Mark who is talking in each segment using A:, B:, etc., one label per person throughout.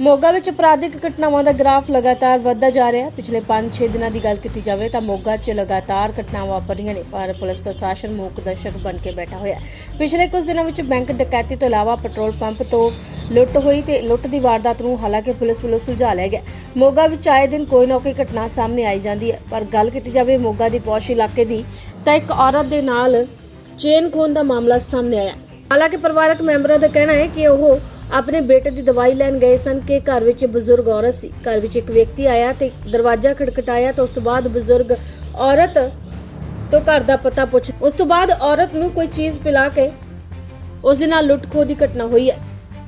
A: ਮੋਗਾ ਵਿੱਚ ਅਪਰਾਧਿਕ ਘਟਨਾਵਾਂ ਦਾ ਗ੍ਰਾਫ ਲਗਾਤਾਰ ਵੱਧਦਾ ਜਾ ਰਿਹਾ ਹੈ। ਪਿਛਲੇ 5-6 ਦਿਨਾਂ ਦੀ ਗੱਲ ਕੀਤੀ ਜਾਵੇ ਤਾਂ ਮੋਗਾ 'ਚ ਲਗਾਤਾਰ ਘਟਨਾਵਾਂ ਵਾਪਰ ਰਹੀਆਂ ਨੇ, ਪਰ ਪੁਲਿਸ ਪ੍ਰਸ਼ਾਸਨ ਮੂਕ ਦਰਸ਼ਕ ਬਣ ਕੇ ਬੈਠਾ ਹੋਇਆ ਹੈ। ਪਿਛਲੇ ਕੁਝ ਦਿਨਾਂ ਵਿੱਚ ਬੈਂਕ ਡਕੈਤੀ ਤੋਂ ਇਲਾਵਾ ਪੈਟਰੋਲ ਪੰਪ ਤੋਂ ਲੁੱਟ ਹੋਈ ਤੇ ਲੁੱਟ ਦੀ ਵਾਰਦਾਤ ਨੂੰ ਹਾਲਾਂਕਿ ਪੁਲਿਸ ਵੱਲੋਂ ਸੁਲਝਾ ਲਿਆ ਗਿਆ। ਮੋਗਾ ਵਿੱਚ ਆਏ ਦਿਨ ਕੋਈ ਨਾ ਕੋਈ ਘਟਨਾ ਸਾਹਮਣੇ ਆਈ ਜਾਂਦੀ ਹੈ, ਪਰ ਗੱਲ ਕੀਤੀ ਜਾਵੇ ਮੋਗਾ ਦੀ ਪੌਸ਼ ਇਲਾਕੇ ਦੀ ਤਾਂ ਇੱਕ ਔਰਤ ਦੇ ਨਾਲ ਚੇਨ ਖੋਹਣ ਦਾ ਮਾਮਲਾ ਸਾਹਮਣੇ ਆਇਆ। ਹਾਲਾਂਕਿ ਪਰਿਵਾਰਕ ਮੈਂਬਰਾਂ ਦਾ ਕਹਿਣਾ ਹੈ ਕਿ ਉਹ ਆਪਣੇ ਬੇਟੇ ਦੀ ਦਵਾਈ ਲੈਣ ਗਏ ਸਨ ਕਿ ਘਰ ਵਿੱਚ ਬਜ਼ੁਰਗ ਔਰਤ ਸੀ। ਘਰ ਵਿੱਚ ਇੱਕ ਵਿਅਕਤੀ ਆਇਆ ਤੇ ਦਰਵਾਜ਼ਾ ਖੜਖਟਾਇਆ ਤਾਂ ਉਸ ਤੋਂ ਬਾਅਦ ਬਜ਼ੁਰਗ ਔਰਤ ਤੋਂ ਘਰ ਦਾ ਪਤਾ ਪੁੱਛ ਉਸ ਤੋਂ ਬਾਅਦ ਔਰਤ ਨੂੰ ਕੋਈ ਚੀਜ਼ ਪਿਲਾ ਕੇ ਉਸ ਦੇ ਨਾਲ ਲੁੱਟ ਖੋਹ ਦੀ ਘਟਨਾ ਹੋਈ ਹੈ।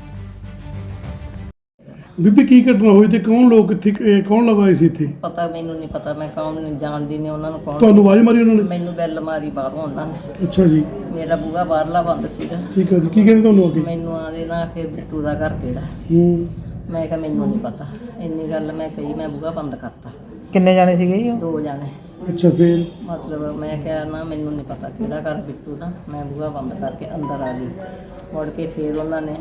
B: ਬੀਬੀ ਕੀ ਘਟਨਾ ਹੋਈ ਤੇ ਕੌਣ ਲੋਕ ਇੱਥੇ ਕੌਣ ਲਗਾਏ ਸੀ ਇੱਥੇ?
C: ਪਤਾ ਮੈਨੂੰ ਨਹੀਂ ਪਤਾ, ਮੈਂ ਕੌਣ ਨਹੀਂ ਜਾਣਦੀ ਨੇ ਉਹਨਾਂ ਨੂੰ। ਕੌਣ
B: ਤੁਹਾਨੂੰ ਆਵਾਜ਼ ਮਾਰੀ ਉਹਨਾਂ ਨੇ?
C: ਮੈਨੂੰ ਬੈਲ ਮਾਰੀ ਬਾਹਰੋਂ ਉਹਨਾਂ ਨੇ।
B: ਅੱਛਾ ਜੀ,
C: ਮੇਰਾ ਬੂਹਾ ਬਾਹਰਲਾ ਬੰਦ ਸੀਗਾ।
B: ਠੀਕ ਹੈ ਜੀ। ਕੀ ਕਹਿੰਦੇ ਤੁਹਾਨੂੰ ਅੱਗੇ?
C: ਮੈਨੂੰ ਆਦੇ ਨਾ ਫਿਰ ਬਿੱਟੂ ਦਾ ਘਰ ਕਿਹੜਾ। ਮੈਂ ਕਿਹਾ ਮੈਨੂੰ ਨਹੀਂ ਪਤਾ, ਇੰਨੀ ਗੱਲ ਮੈਂ ਕਹੀ, ਮੈਂ ਬੂਹਾ ਬੰਦ ਕਰਤਾ।
D: ਕਿੰਨੇ ਜਾਣੇ ਸੀਗੇ ਜੀ?
C: 2 ਜਾਣੇ।
B: ਅੱਛਾ, ਫਿਰ
C: ਮਤਲਬ ਮੈਂ ਕਿਹਾ ਨਾ ਮੈਨੂੰ ਨਹੀਂ ਪਤਾ ਕਿਹੜਾ ਘਰ ਬਿੱਟੂ ਦਾ। ਮੈਂ ਬੂਹਾ ਬੰਦ ਕਰਕੇ ਅੰਦਰ ਆ ਗਈ। ਮੁੜ ਕੇ ਫਿਰ ਉਹਨਾਂ ਨੇ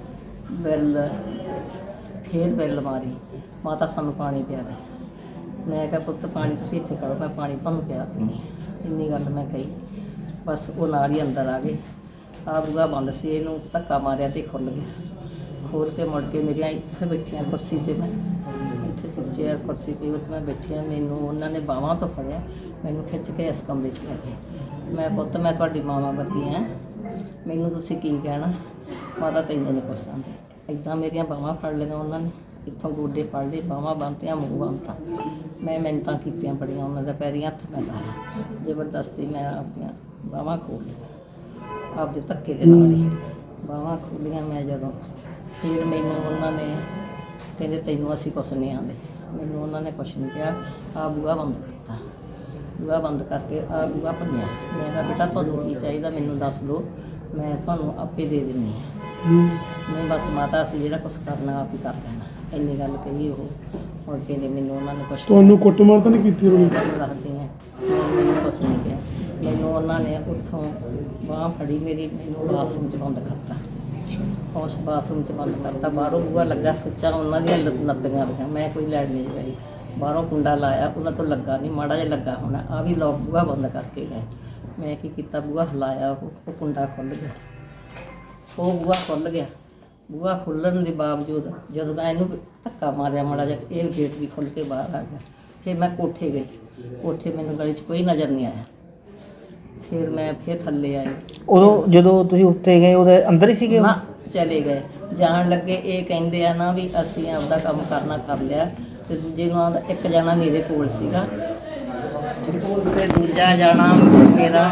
C: ਬੈਲ ਮਾਰੀ, ਮਾਤਾ ਸਾਨੂੰ ਪਾਣੀ ਪਿਆ ਦੇ। ਮੈਂ ਕਿਹਾ ਪੁੱਤ ਪਾਣੀ ਤੁਸੀਂ ਇੱਥੇ ਕਰੋ, ਮੈਂ ਪਾਣੀ ਤੁਹਾਨੂੰ ਪਿਆ ਦਿੰਦੀ ਹਾਂ। ਇੰਨੀ ਗੱਲ ਮੈਂ ਕਹੀ, ਬਸ ਉਹ ਨਾਲ ਹੀ ਅੰਦਰ ਆ ਗਏ। ਆ ਬੂਹਾ ਬੰਦ ਸੀ, ਇਹਨੂੰ ਧੱਕਾ ਮਾਰਿਆ ਤੇ ਖੁੱਲ੍ਹ ਗਿਆ। ਖੋਲ੍ਹ ਕੇ ਮੁੜ ਕੇ ਮੇਰੀਆਂ ਇੱਥੇ ਬੈਠੀਆਂ ਕੁਰਸੀ 'ਤੇ, ਮੈਂ ਇੱਥੇ ਸੀ ਚੇਅਰ ਕੁਰਸੀ 'ਤੇ ਉੱਥੇ ਮੈਂ ਬੈਠੀ ਹਾਂ। ਮੈਨੂੰ ਉਹਨਾਂ ਨੇ ਬਾਹਾਂ ਤੋਂ ਫੜਿਆ, ਮੈਨੂੰ ਖਿੱਚ ਕੇ ਇਸ ਕਮਰੇ 'ਚ ਲੈ ਗਏ। ਮੈਂ ਪੁੱਤ ਮੈਂ ਤੁਹਾਡੀ ਮਾਵਾਂ ਵਰਗੀ ਹਾਂ, ਮੈਨੂੰ ਤੁਸੀਂ ਕੀ ਕਹਿਣਾ, ਮਾਤਾ ਤੈਨੂੰ ਨਹੀਂ ਕੁਛ ਆਉਂਦਾ। ਇੱਦਾਂ ਮੇਰੀਆਂ ਬਾਹਾਂ ਫੜ ਲਈਆਂ ਉਹਨਾਂ ਨੇ, ਇੱਥੋਂ ਗੋਡੇ ਫੜ ਲਏ, ਬਾਹਾਂ ਬੰਨ੍ਹਤੀਆਂ, ਮੂੰਹ ਬੰਨ੍ਹਤਾ। ਮੈਂ ਮਿੰਨਤਾਂ ਕੀਤੀਆਂ ਬੜੀਆਂ, ਉਹਨਾਂ ਦੇ ਪੈਰੀਂ ਹੱਥ ਮੈਂ ਲਾਇਆ। ਜ਼ਬਰਦਸਤੀ ਮੈਂ ਆਪਣੀਆਂ ਬਾਹਾਂ ਖੋਲ੍ਹ ਲਈਆਂ, ਆਪਦੇ ਧੱਕੇ ਦੇ ਨਾਲ ਹੀ ਬਾਹਾਂ ਖੋਲ੍ਹੀਆਂ। ਮੈਂ ਜਦੋਂ ਫਿਰ ਮੈਨੂੰ ਉਹਨਾਂ ਨੇ ਕਹਿੰਦੇ ਤੈਨੂੰ ਅਸੀਂ ਕੁਛ ਨਹੀਂ ਆਉਂਦੇ। ਮੈਨੂੰ ਉਹਨਾਂ ਨੇ ਕੁਛ ਨਹੀਂ ਕਿਹਾ। ਆਹ ਬੂਹਾ ਬੰਦ ਕੀਤਾ, ਬੂਹਾ ਬੰਦ ਕਰਕੇ ਆਹ ਬੂਹਾ ਭੰਨਿਆ। ਮੈਂ ਕਿਹਾ ਬੇਟਾ ਤੁਹਾਨੂੰ ਕੀ ਚਾਹੀਦਾ ਮੈਨੂੰ ਦੱਸ ਦਿਓ, ਮੈਂ ਤੁਹਾਨੂੰ ਆਪੇ ਦੇ ਦਿੰਦੀ ਹਾਂ। ਨਹੀਂ ਬਸ ਮਾਤਾ ਅਸੀਂ ਜਿਹੜਾ ਕੁਛ ਕਰਨਾ ਆਪ ਹੀ ਕਰ ਲੈਣਾ, ਇੰਨੀ ਗੱਲ ਕਹੀ। ਉਹ ਮੁੜ ਕੇ ਨਹੀਂ ਮੈਨੂੰ ਉਹਨਾਂ ਨੇ ਕੁਛ
B: ਤੁਹਾਨੂੰ ਕੁੱਟਮਾਰ ਤਾਂ ਨਹੀਂ ਕੀਤੀ ਉਹਨਾਂ ਨੇ?
C: ਮੈਨੂੰ ਦੱਸਦੀ ਹਾਂ, ਮੈਨੂੰ ਕੁਛ ਨਹੀਂ ਕਿਹਾ। ਮੈਨੂੰ ਉਹਨਾਂ ਨੇ ਉੱਥੋਂ ਬਾਂਹ ਫੜੀ ਮੇਰੀ, ਮੈਨੂੰ ਬਾਥਰੂਮ 'ਚ ਬੰਦ ਕਰਤਾ। ਉਸ ਬਾਥਰੂਮ 'ਚ ਬੰਦ ਕਰਤਾ। ਬਾਹਰੋਂ ਬੂਹਾ ਲੱਗਾ ਸੁੱਚਾ, ਉਹਨਾਂ ਦੀਆਂ ਨੱਪੀਆਂ ਰਹੀਆਂ। ਮੈਂ ਕੋਈ ਲੈਣ ਨਹੀਂ ਗਈ। ਬਾਹਰੋਂ ਕੁੰਡਾ ਲਾਇਆ, ਉਹਨਾਂ ਤੋਂ ਲੱਗਾ ਨਹੀਂ, ਮਾੜਾ ਜਿਹਾ ਲੱਗਾ ਹੋਣਾ। ਆ ਵੀ ਲੋਕ ਬੂਹਾ ਬੰਦ ਕਰਕੇ ਗਏ। ਮੈਂ ਕੀ ਕੀਤਾ, ਬੂਹਾ ਹਿਲਾਇਆ, ਉਹ ਕੁੰਡਾ ਖੁੱਲ੍ਹ ਗਿਆ। ਉਹ ਬੂਹਾ ਖੁੱਲ੍ਹ ਗਿਆ। ਬੂਹਾ ਖੁੱਲ੍ਹਣ ਦੇ ਬਾਵਜੂਦ ਜਦੋਂ ਮੈਂ ਇਹਨੂੰ ਧੱਕਾ ਮਾਰਿਆ ਮਾੜਾ ਜਿਹਾ, ਇਹ ਗੇਟ ਵੀ ਖੁੱਲ੍ਹ ਕੇ ਬਾਹਰ ਆ ਗਿਆ। ਫਿਰ ਮੈਂ ਕੋਠੇ ਗਈ। ਕੋਠੇ ਮੈਨੂੰ ਗਲੀ 'ਚ ਕੋਈ ਨਜ਼ਰ ਨਹੀਂ ਆਇਆ। ਫਿਰ ਮੈਂ ਥੱਲੇ ਆਈ।
D: ਉਦੋਂ ਜਦੋਂ ਤੁਸੀਂ ਉੱਤੇ ਗਏ ਉਹਦੇ ਅੰਦਰ ਹੀ ਸੀਗੇ?
C: ਨਾ, ਚਲੇ ਗਏ। ਜਾਣ ਲੱਗੇ ਇਹ ਕਹਿੰਦੇ ਆ ਨਾ ਵੀ ਅਸੀਂ ਆਪਦਾ ਕੰਮ ਕਰਨਾ ਕਰ ਲਿਆ, ਤੇ ਦੂਜੇ ਨੂੰ ਆਉਂਦਾ। ਇੱਕ ਜਾਣਾ ਮੇਰੇ ਕੋਲ ਸੀਗਾ ਤੇ ਦੂਜਾ ਜਾਣਾ ਮੇਰਾ।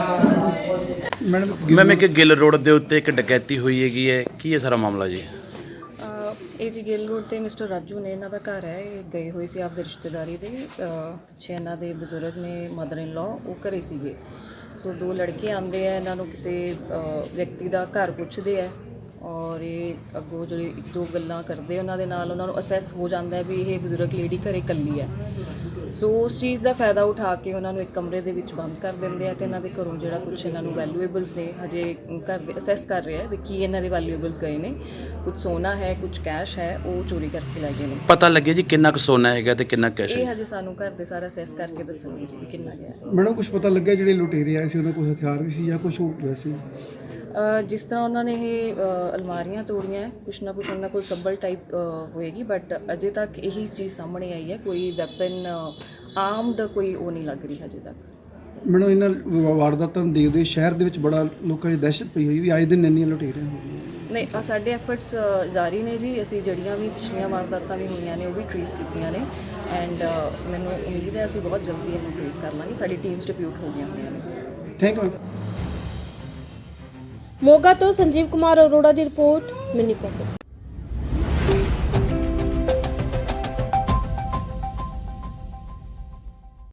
E: ਮੈਮ ਇੱਕ ਗਿੱਲ ਰੋਡ ਦੇ ਉੱਤੇ ਇੱਕ ਡਕੈਤੀ ਹੋਈ ਹੈਗੀ ਹੈ, ਕੀ ਹੈ ਸਾਰਾ ਮਾਮਲਾ ਜੀ?
F: ਇਹ ਜੀ ਗਿੱਲ ਰੋਡ ਤੇ ਮਿਸਟਰ ਰਾਜੂ ਨੇ, ਇਹਨਾਂ ਦਾ ਘਰ ਹੈ। ਇਹ ਗਏ ਹੋਏ ਸੀ ਆਪਦੇ ਰਿਸ਼ਤੇਦਾਰੀ ਦੇ। ਪਿੱਛੇ ਇਹਨਾਂ ਦੇ ਬਜ਼ੁਰਗ ਨੇ, ਮਦਰ ਇਨ ਲਾ, ਉਹ ਘਰੇ ਸੀਗੇ। ਸੋ 2 ਲੜਕੇ ਆਉਂਦੇ ਆ, ਇਹਨਾਂ ਨੂੰ ਕਿਸੇ ਵਿਅਕਤੀ ਦਾ ਘਰ ਪੁੱਛਦੇ ਆ ਔਰ ਇਹ ਅੱਗੋਂ ਜਿਹੜੇ 1-2 ਗੱਲਾਂ ਕਰਦੇ ਉਹਨਾਂ ਦੇ ਨਾਲ, ਉਹਨਾਂ ਨੂੰ ਅਸੈਸ ਹੋ ਜਾਂਦਾ ਹੈ ਵੀ ਇਹ ਬਜ਼ੁਰਗ ਲੇਡੀ ਘਰੇ ਇਕੱਲੀ ਹੈ। ਸੋ ਉਸ ਚੀਜ਼ ਦਾ ਫਾਇਦਾ ਉਠਾ ਕੇ ਉਹਨਾਂ ਨੂੰ ਇੱਕ ਕਮਰੇ ਦੇ ਵਿੱਚ ਬੰਦ ਕਰ ਦਿੰਦੇ ਆ ਤੇ ਇਹਨਾਂ ਦੇ ਘਰੋਂ ਜਿਹੜਾ ਕੁਛ ਇਹਨਾਂ ਨੂੰ ਵੈਲਿਊਏਬਲਸ ਨੇ, ਹਜੇ ਘਰ ਦੇ ਅਸੈਸ ਕਰ ਰਿਹਾ ਵੀ ਕੀ ਇਹਨਾਂ ਦੇ ਵੈਲਿਊਏਬਲਸ ਗਏ ਨੇ। ਕੁਝ ਸੋਨਾ ਹੈ, ਕੁਝ ਕੈਸ਼ ਹੈ, ਉਹ ਚੋਰੀ ਕਰਕੇ ਲੈ ਗਏ ਨੇ।
E: ਪਤਾ ਲੱਗਿਆ ਜੀ ਕਿੰਨਾ ਕੁ ਸੋਨਾ ਹੈਗਾ ਤੇ ਕਿੰਨਾ ਕੈਸ਼
F: ਇਹ
E: ਹੈ?
F: ਹਜੇ ਸਾਨੂੰ ਘਰ ਦੇ ਸਾਰਾ ਅਸੈਸ ਕਰਕੇ ਦੱਸਣਗੇ ਜੀ ਵੀ ਕਿੰਨਾ ਗਿਆ।
B: ਮੈਡਮ ਕੁਝ ਪਤਾ ਲੱਗਿਆ ਜਿਹੜੇ ਲੁਟੇਰੇ ਆਏ ਸੀ ਉਹਨਾਂ ਕੋਲ ਹਥਿਆਰ ਵੀ ਸੀ ਜਾਂ ਕੁਝ ਹੋਰ ਵੈਸੇ?
F: ਜਿਸ ਤਰ੍ਹਾਂ ਉਹਨਾਂ ਨੇ ਇਹ ਅਲਮਾਰੀਆਂ ਤੋੜੀਆਂ, ਕੁਛ ਨਾ ਕੁਛ ਉਹਨਾਂ ਕੋਲ ਸੱਬਲ ਟਾਈਪ ਹੋਏਗੀ, ਬਟ ਅਜੇ ਤੱਕ ਇਹੀ ਚੀਜ਼ ਸਾਹਮਣੇ ਆਈ ਹੈ। ਕੋਈ ਵੈਪਨ ਆਰਮਡ ਕੋਈ ਉਹ ਨਹੀਂ ਲੱਗ ਰਹੀ ਹਜੇ ਤੱਕ।
B: ਮੈਡਮ ਇਹਨਾਂ ਵਾਰਦਾਤਾਂ ਨੂੰ ਦੇਖਦੇ ਸ਼ਹਿਰ ਦੇ ਵਿੱਚ ਬੜਾ ਲੋਕਾਂ 'ਚ ਦਹਿਸ਼ਤ ਪਈ ਹੋਈ ਵੀ ਆਏ ਦਿਨ ਇੰਨੀਆਂ ਲੁਟੇਰੇ ਹੋ ਗਈਆਂ।
F: ਨਹੀਂ, ਸਾਡੇ ਐਫਰਟਸ ਜਾਰੀ ਨੇ ਜੀ। ਅਸੀਂ ਜਿਹੜੀਆਂ ਵੀ ਪਿਛਲੀਆਂ ਵਾਰਦਾਤਾਂ ਵੀ ਹੋਈਆਂ ਨੇ ਉਹ ਵੀ ਟ੍ਰੇਸ ਕੀਤੀਆਂ ਨੇ ਐਂਡ ਮੈਨੂੰ ਉਮੀਦ ਹੈ ਅਸੀਂ ਬਹੁਤ ਜਲਦੀ ਇਹਨੂੰ ਟ੍ਰੇਸ ਕਰ ਲਾਂਗੇ। ਸਾਡੀ ਟੀਮਸ ਡਿਪਿਊਟ ਹੋ ਗਈਆਂ ਹੋਈਆਂ ਨੇ ਜੀ।
B: Thank you.
A: ਮੋਗਾ ਤੋਂ ਸੰਜੀਵ ਕੁਮਾਰ ਅਰੋੜਾ ਦੀ ਰਿਪੋਰਟ, ਮਿੰਨੀ ਪੋਕਟ।